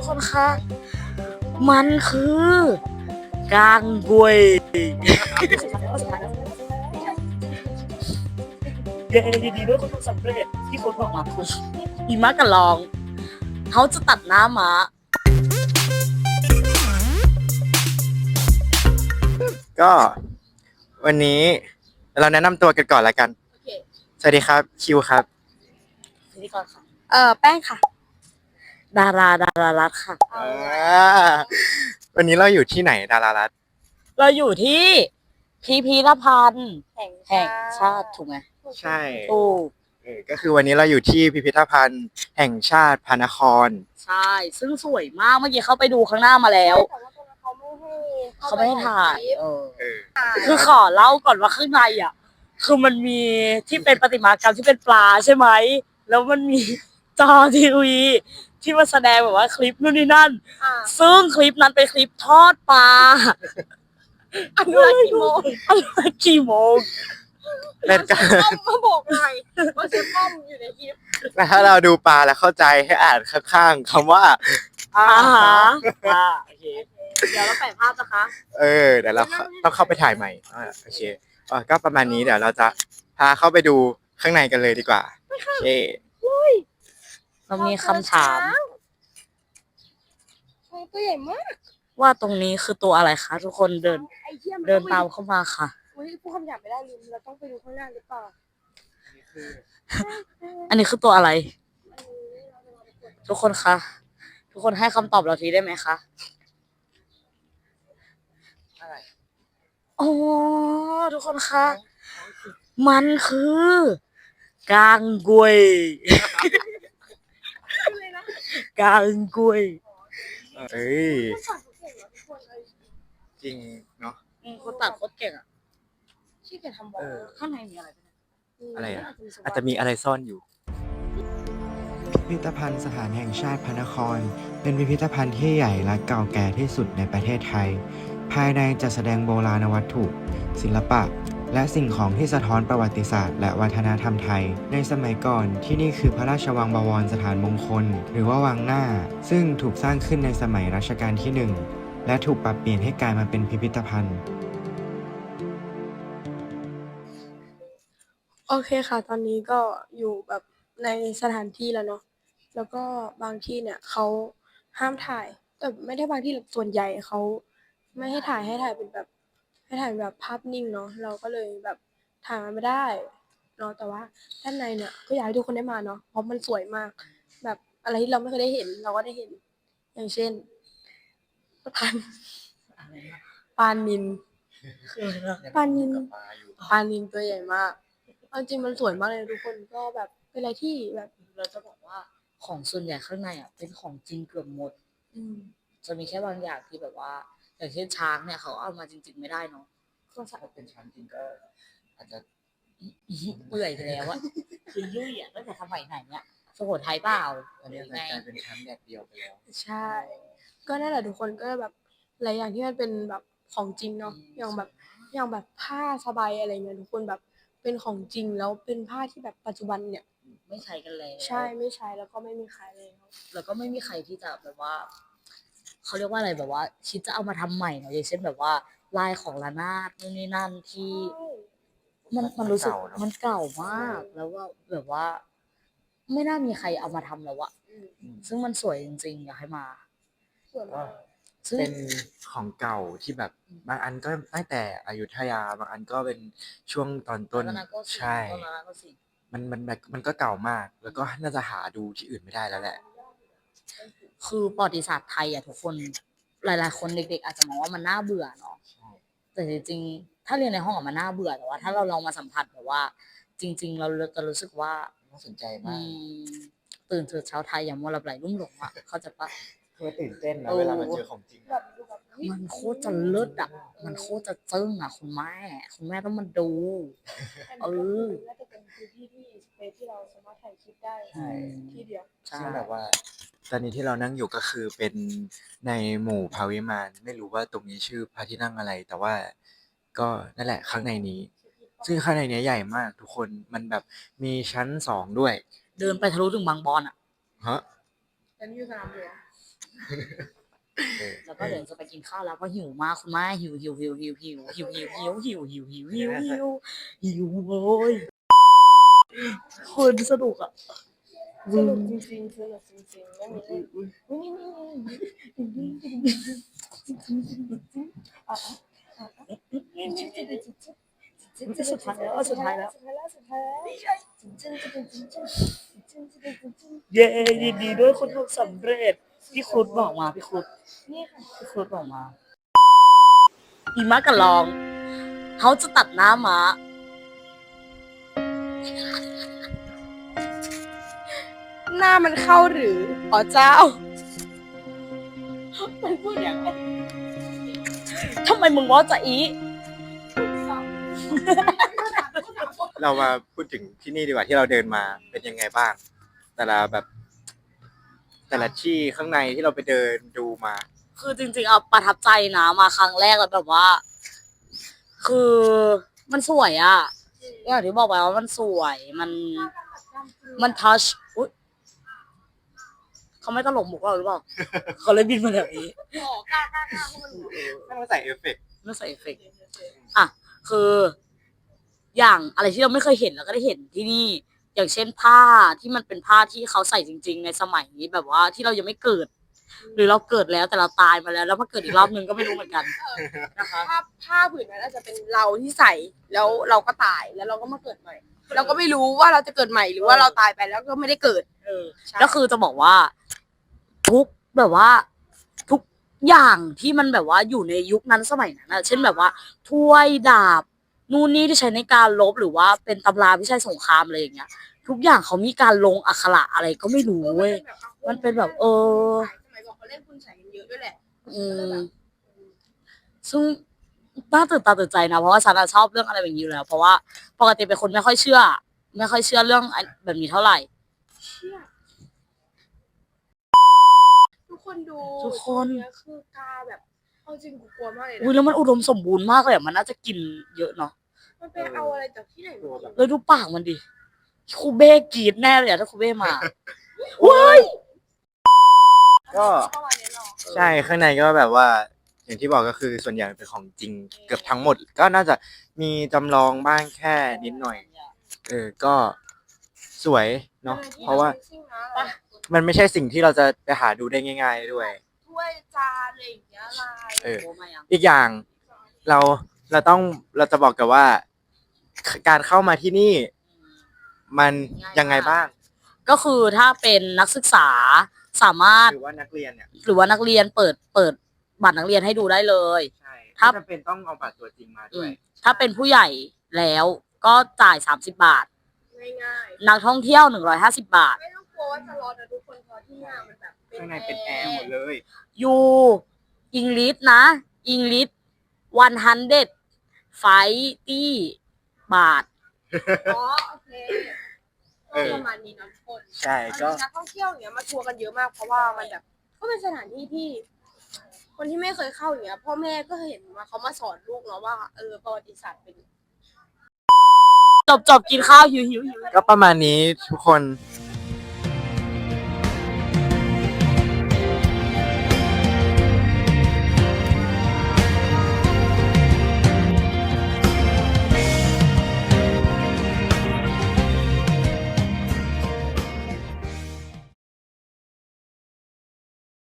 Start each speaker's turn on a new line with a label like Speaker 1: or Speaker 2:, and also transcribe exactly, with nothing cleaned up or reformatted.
Speaker 1: กคนคะมันคือกางกวยเย้ยินดีด้วยคุณทำสำเร็จที่คนบอกมาคุณอีมะกับลองเขาจะตัดหน้าม้า
Speaker 2: ก็วันนี้เราแนะนำตัวกันก่อนละกันสวัสดีครับคิวครับ
Speaker 1: พิธีกรค่ะ
Speaker 3: เออแป้งค่ะ
Speaker 1: ดาราดารารัตค่ะ
Speaker 2: วันนี้เราอยู่ที่ไหนดารารัต
Speaker 1: เราอยู่ที่พิพิธภัณฑ์แห่งชาติถูกไหม
Speaker 2: ใช่
Speaker 1: ถูก
Speaker 2: เออก็คือวันนี้เราอยู่ที่พิพิธภัณฑ์แห่งชาติพระนคร
Speaker 1: ใช่ซึ่งสวยมากเมื่อกี้เข้าไปดูข้างหน้ามาแล้ว
Speaker 3: แต่ว่าตรงนั้นเขาไม่ให้
Speaker 1: เขาไม่ให้ถ่ายเออ
Speaker 2: เออ
Speaker 1: คือขอเล่าก่อนว่าข้างในอ่ะคือมันมีที่เป็นประติมากรรมที่เป็นปลาใช่ไหมแล้วมันมีจอทีวีที่มาแสดงแบบว่าคลิปนู่นนี่นั่นซึ่งคลิปนั้นเป็นคลิปทอดปลา
Speaker 3: อันนี้กี่โมง
Speaker 1: อันนี้กี่โมง
Speaker 2: เป็นการ
Speaker 3: ป้อมมาบอกหน่อยว่าชื่อป้อมอยู่ในคลิป
Speaker 2: แล้วถ้าเราดูปลาแล้วเข้าใจให้อ่านข้างๆคำว่า
Speaker 1: อาหาอ่าโอเคเดี๋ยวเราแปะภาพนะคะ
Speaker 2: เออเดี๋ยวเราต้องเข้าไปถ่ายใหม่อ่าโอเคอ่าก็ประมาณนี้เดี๋ยวเราจะพาเข้าไปดูข้างในกันเลยดีกว่าโอเค
Speaker 1: เรามีคำถาม
Speaker 3: ตัวใหญ่มาก
Speaker 1: ว่าตรงนี้คือตัวอะไรคะทุกคนเดินเดินตามเข้ามาค่ะ
Speaker 3: อุ้ยพูดคำหยาบไม่ได้ลืมเราต้องไปดูข้างหน้าหรือเปล่า
Speaker 1: อันนี้คือตัวอะไรทุกคนคะทุกคนให้คำตอบเราทีได้ไหมคะ
Speaker 2: อะไร
Speaker 1: อ๋อทุกคนคะมันคือกางกวยกางกวย
Speaker 2: เอ้ยจริงเนาะ
Speaker 1: คนตัดโคตรเก่งอ่ะ
Speaker 3: ที่แกทำบอล
Speaker 1: ข้างในมีอะไร
Speaker 2: อะไรอ่ะอาจจะมีอะไรซ่อนอยู่พิพิธภัณฑ์สถานแห่งชาติพระนครเป็นพิพิธภัณฑ์ที่ใหญ่และเก่าแก่ที่สุดในประเทศไทยภายในจัดแสดงโบราณวัตถุ ศิลปะและสิ่งของที่สะท้อนประวัติศาสตร์และวัฒนธรรมไทยในสมัยก่อนที่นี่คือพระราชวังบวรสถานมงคลหรือว่าวังหน้าซึ่งถูกสร้างขึ้นในสมัยรัชกาลที่หนึ่งและถูกปรับเปลี่ยนให้กลายมาเป็นพิพิธภัณฑ์
Speaker 3: โอเคค่ะตอนนี้ก็อยู่แบบในสถานที่แล้วเนาะแล้วก็บางที่เนี่ยเขาห้ามถ่ายแต่ไม่ได้บางที่ส่วนใหญ่เขาไม่ให้ถ่ายให้ถ่ายเป็นแบบให้ถ่ายแบบภาพนิ่งเนาะเราก็เลยแบบถ่ายมันไม่ได้เนาะแต่ว่าด้านในเนี่ยก็อยากให้ทุกคนได้มาเนาะเพราะมันสวยมากแบบอะไรที่เราไม่เคยได้เห็นเราก็ได้เห็นอย่างเช่นพันปลานิลปลานิลปลานิลตัวใหญ่มากจริงมันสวยมากเลยทุกคนก็แบบเป็นอะไรที่แบบ
Speaker 1: เราจะบอกว่าของส่วนใหญ่ข้างในอ่ะเป็นของจริงเกือบหมดจะมีแค่บางอย่างที่แบบว่าอย่างเช่นช้างเนี่ยเขาเอามาจริงๆไม่ได้เนาะ
Speaker 2: ก็ถ้าเป็นช้างจริงก็อาจจะ
Speaker 1: เปื่อยไปแล้วอะคือยุ่ยอ่ะตั้งแต่สมัยไหนเนี่ยสุโขทัยเปล่า
Speaker 2: อันนี้กลายเป็นช้างแดดเดียวไปแล้ว
Speaker 3: ใช่ก็นั่นแหละทุกคนก็แบบหลายอย่างที่มันเป็นแบบของจริงเนาะอย่างแบบอย่างแบบผ้าสบายอะไรเงี้ยทุกคนแบบเป็นของจริงแล้วเป็นผ้าที่แบบปัจจุบันเนี่ย
Speaker 1: ไม่ใช้กันแล้ว
Speaker 3: ใช่ไม่ใช้แล้วก็ไม่มีขายเลย
Speaker 1: แล้วก็ไม่มีใครที่จะแบบว่าเขาเรียกว่าอะไรแบบว่าคิดจะเอามาทำใหม่เนาะอย่างเช่นแบบว่าลายของระนาดนู่นนี่นั่นที่มันมันรู้สึกมันเก่ามากแล้วว่าแบบว่าไม่น่ามีใครเอามาทำแล้วอะซึ่งมันสวยจริงๆอยากให้มา
Speaker 2: เป็นของเก่าที่แบบบางอันก็ตั้งแต่อยุธยาบางอันก็เป็นช่วงตอนต้นใช่มันมันมันก็เก่ามากแล้วก็น่าจะหาดูที่อื่นไม่ได้แล้วแหละ
Speaker 1: คือประวัติศาสตร์ไทยอ่ะทุกคนหลายๆคนเด็กๆอาจจะมองว่ามันน่าเบื่อเนาะแต่จริงๆถ้าเรียนในห้องอะมันน่าเบื่อแต่ว่าถ้าเราลองมาสัมผัสแบบว่าจริงๆเราจะรู้สึกว่า
Speaker 2: น่าสนใจมาก
Speaker 1: ตื่นเช้าเช้าไทยอย่างมัวหลับไหลลุ่มหลงอ่ะเขาจะปะ
Speaker 2: เพื่อตื่นเต้นนะเวลามันเจอของจริง
Speaker 1: มันโคตรจะเลิศอ่ะมันโคตรจะจึ้งอ่ะคุณแม่คุณแม่ต้องมาดูเออ
Speaker 3: น่าจะเป็นพื้นที่ที่สเปซที่เราสามารถถ่ายคลิปได้ที่เดียว
Speaker 2: ซึ่งแบบว่าตอนนี้ที่เรานั่งอยู่ก็คือเป็นในหมู่พาวิมานไม่รู้ว่าตรงนี้ชื่อพระที่นั่งอะไรแต่ว่าก็นั่นแหละข้างในนี้ซึ่งข้างในนี้ใหญ่มากทุกคนมันแบบมีชั้นสองด้วย
Speaker 1: เดินไปทะลุถึงบางบอนอ่ะ
Speaker 2: ฮะ
Speaker 3: อันนี้อยู่สนามหลวง
Speaker 1: แล้วก็เดี๋ยวจะไปกินข้าวแล้วเพราะหิวมากคุณแม่หิวหิวหิวหิวหิวหิวหิวหิวหิวหิวหิวหิวหิวหิวเลยคนสนุกอ่ะ
Speaker 3: สนุกจริงๆสนุกจริงๆไม่มีเล่น
Speaker 1: สุดท้ายแล้วสุดท้ายแล้ว
Speaker 3: สุดท้ายแล้วสุดท้ายแล้ว
Speaker 1: เย้ยินดีด้วยคุณทำสำเร็จพี่คุดบอกมาพี่คุด
Speaker 3: นี่ค่ะ
Speaker 1: พี่คุดบอกมาอีม้ากับลองเขาจะตัดหน้าม้า
Speaker 3: หน้ามันเข้าหรืออ๋อเจ้ามันพูดอย่างไร
Speaker 1: ทำไมมึงว่าจะอี
Speaker 2: เรามาพูดถึงที่นี่ดีกว่าที่เราเดินมาเป็นยังไงบ้าง แต่ละแบบ แต่ละที่ข้างในที่เราไปเดินดูมา
Speaker 1: คือจริงๆเอาประทับใจนะมาครั้งแรกแล้วแบบว่า คือมันสวยอะอย่างที่บอกไปว่ามันสวยมันมันทัชอุ๊ยเขาไม่ตลกมุกเราหรือเปล่า เขาเลยบินมาแบบนี้
Speaker 3: อ๋อกล้ากล้ากล้าเพราะมัน
Speaker 2: ไม่ต้องใส่เอฟเฟกต์
Speaker 1: ไม่ใส่เอฟเฟกต์อ่ะคืออย่างอะไรที่เราไม่เคยเห็นเราก็ได้เห็นที่นี่ อย่างเช่นผ้าที่มันเป็นผ้าที่เขาใส่จริง ๆ ในสมัยนี้แบบว่าที่เรายังไม่เกิด หรือเราเกิดแล้วแต่เราตายมาแล้วแล้วมาเกิดอีกรอบนึงก็ไม่รู้เหมือนกันนะคะ
Speaker 3: ผ้าผ้าผืนนั้นอาจจะเป็นเราที่ใส่แล้วเราก็ตายแล้วเราก็มาเกิดใหม่ เราก็ไม่รู้ว่าเราจะเกิดใหม่หรือว่าเราตายไปแล้วก็ไม่ได้เกิด
Speaker 1: เออก็คือจะบอกว่า ทุกแบบว่า ทุกอย่างที่มันแบบว่าอยู่ในยุคนั้นสมัยนั้นนะเช่นแบบว่าถ้วยดาบนู่นนี่ที่ใช้ในการลบหรือว่าเป็นตำราวิชัยสงครามอะไรอย่างเงี้ย ทุกอย่างเขามีการลงอักขระอะไรก็ไม่รู้เว้ย มันเป็นแบบเออ
Speaker 3: สมัยก่อนเขาเล่นคุณใส่กันเยอะด้วยแหละ
Speaker 1: อืมซึ่งน่าตื่นตาตื่นใจนะเพราะว่าฉันอะชอบเรื่องอะไรแบบนี้อยู่แล้ว เพราะว่าปกติเป็นคนไม่ค่อยเชื่อ ไม่ค่อยเชื่อเรื่องแบบนี้เท่าไหร่
Speaker 3: เชี่ยทุกคนดู
Speaker 1: ทุกคน
Speaker 3: เนี้ยคือกาแบบเอาจริงกูกลัวมากเลย
Speaker 1: อุ้ย
Speaker 3: นะ
Speaker 1: แล้วมันอุดมสมบูรณ์มากเลยอะมันน่าจะกินเยอะเนาะ
Speaker 3: มันไปเอาอะไรจากที่ไหนมากิน
Speaker 1: แล้วดูปากมันดิคูเบ้กรีดแน่เลยอะถ้าคูเบ้มาเว้ย
Speaker 2: ก็
Speaker 3: ประมาณนี้เนาะ
Speaker 2: ใช่ข้างในก็แบบว่า อย่างที่บอกก็คือส่วนใหญ่เป็นของจริงเกือบทั้งหมด ก็น่าจะมีจำลองบ้างแค่นิดหน่อย เออก็สวยเนาะเพราะว่ามันไม่ใช่สิ่งที่เราจะไปหาดูได้ง่าย ๆด้วย
Speaker 3: ถ้วยจานอะไรอย่างเงี้ยลาย
Speaker 2: เออ
Speaker 1: โอ้มายัง
Speaker 2: อีกอย่างเราเราต้องเราจะบอกกันว่า การเข้ามาที่นี่ มันยังไงบ้าง
Speaker 1: ก็คือถ้าเป็นนักศึกษาสามารถ
Speaker 2: หรือว่านักเรียนเนี่ย
Speaker 1: หรือว่านักเรียนเปิดเปิดบัตรนักเรียนให้ดูได้เลย
Speaker 2: ใช่
Speaker 1: ถ้า
Speaker 2: ถ้าจำเป็นต้องเอาบัตรตัวจริงมาด้วย
Speaker 1: ถ้าเป็นผู้ใหญ่แล้วก็จ่ายสามสิบบาท
Speaker 3: ง่าย
Speaker 1: นักท่องเที่ยวหนึ่งร้อยห้าสิบบาท
Speaker 3: ๆไม่ต้องกลัวว่าจะร้อนนะทุกคนเพราะที่นี่มันแบบ
Speaker 2: ข้างในเป็นแอร์หมดเลย
Speaker 1: ยูอังกฤษนะอังกฤษวันฮันเดไฟตี้บาท
Speaker 3: อ๋อโอเค
Speaker 2: เออ
Speaker 3: ประมาณนี้เนาะทุกคน
Speaker 2: ใช่ก็
Speaker 3: นักท่องเที่ยวอย่างเงี้ยมาทัวร์กันเยอะมากเพราะว่ามันแบบก็เป็นสถานที่ที่ คนที่ไม่เคยเข้าอย่างเงี้ยพ่อแม่ก็เห็นว่าเขามาสอนลูกเนาะว่าเออประวัติศาสตร์เป็น
Speaker 1: จบจบกินข้าวหิวหิวหิว
Speaker 2: ก็ประมาณนี้ทุกคน